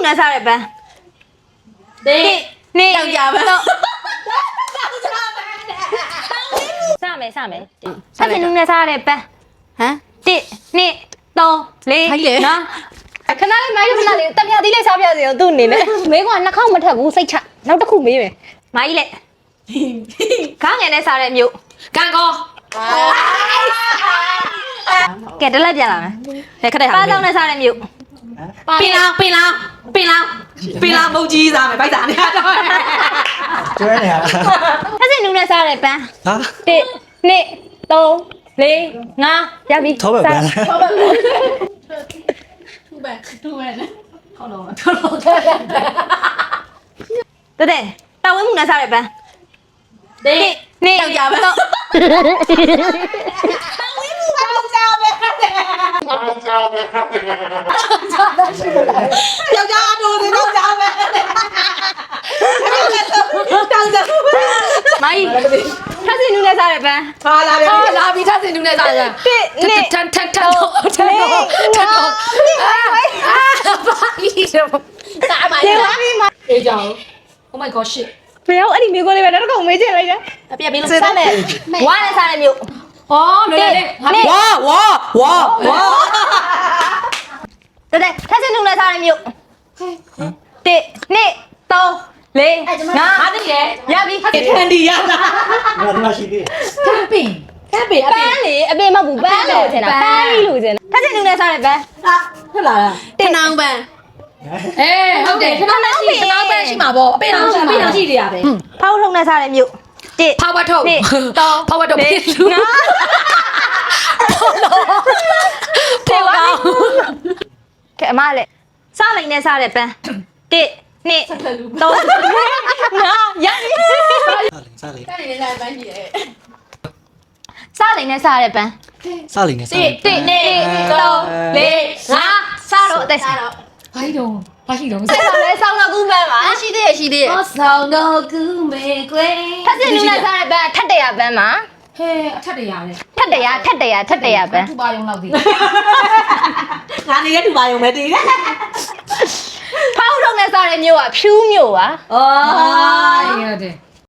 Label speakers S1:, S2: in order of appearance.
S1: နဲ့စားတဲ့ပန်းနေယောက်ျားပဲစမယ်ထပ်စင်နုနဲ့စားတဲ့ပန်းဟမ်1 2 3 4နော်ခဏလေးမိုင်းခဏလေးတက်ပြသီးလေးစားပြစီအောင်သူ့အနေနဲ့မေးကနှာခေါင်းမထက်ဘူးစိတ်ချနောက်တစ်ခုမေးမယ်မိုင်းလက်ခေါင်းငယ်နဲ့စားတဲ့မြို့ကန်ကောကဲတလက်ပြန်လာမယ်ခက်တဲ့ဟာပါတောင်းနဲ့စားတဲ့မြို့ပင်လောင်မုတ်ကြီးစားမယ်ဗိုက်စားနေတော့
S2: ကျွဲနေရလား
S1: ထပ်စင်နူနဲ့စားတဲ့ပန်း
S2: ဟာ
S1: 1 2 3 4 5ရပြီ
S2: ထောပဲပြန်
S1: ထောပဲတူပဲနဲ့ဟောတော့တဲ့တာဝင်းမှုနဲ့စားတဲ့ပန်းနေယောက်ျားပဲတော့တာဝင်းမှုကယောက်ျားပဲယောက်ျားတို့တွေယောက်ျားပဲတောင်းကြမိုင်းထပ်စင်နူနဲ့စားတဲ့ပန်းဟာလာပြီထပ်စင်နူနဲ့စားတဲ့ပန်း1 2 ထန်တော့ဘာကြီးတော့ကားပါလေအေးကြောင် Oh my god shit ဘယ်ရောက်အဲ့ဒီမျိုးကိုလေးပဲတော့ကောင်မေးချင်လိုက်တယ်အပြက်ပေးလို့စားမယ်ဝါနဲ့စားတဲ့မျိုးဩလွယ်လွယ်လေးဝါတဲ့ထက်စင်နူနဲ့စားတဲ့မျိုး1 2 3 4 5အားသိတယ်ရပြီခန်ဒီရလား
S2: ငါတို့ရှိသေး
S1: ကမ်ပင်းပန်းလေအပင်မဟုတ်ဘူးပန်းလို့ထင်တာပန်းကြီးလို့ထင်တာထက်စင်နူနဲ့စားတဲ့ပန်းဟုတ်လားတင်နောင်ပန်းဟုတ်တယ်ခဏနဲ့ရှိပန်းရှိမှာပေါ့အပင်အောင်ရှိတယ်ရပဲဖောက်ထုံနဲ့စားတဲ့မြို့1ဖောက်ဝတ်ထုံဖောက်ဝတ်ထုံဖြစ်လူဖောက်ကောကဲအမလည်းစားလိုက်နဲ့စားတဲ့ပန်း1 2 3 5ရပြီ
S2: စားလိမ့်
S1: စားလိုက်နဲ့စားတဲ့ပန်း
S2: စားလိမ့်နဲ့စားလိမ့်
S1: 1 2 3 4 5စားတော့အသက်စားတော့
S3: ဘာရှိတော့
S1: ဆက်ဆောင်လဲဆောင်းတော့ကူးပန်းပါရှိသေးရဲ့
S3: ဆောင်းတော့ကူးမေကွယ်
S1: ထပ်စင်နူနဲ့စားတဲ့ပန်းထက်တရပန်းမှာ
S3: ဟဲအထက်တရလေ
S1: ထက်တရပန်း
S3: ထူပါယုံလောက်သေး
S1: ငါနေတဲ့ထူပါယုံပဲတည်တယ်ဖောက်ထုံနဲ့စားတဲ့မျိုးကဖြူးမျိုးပါ
S3: အော်ရတယ်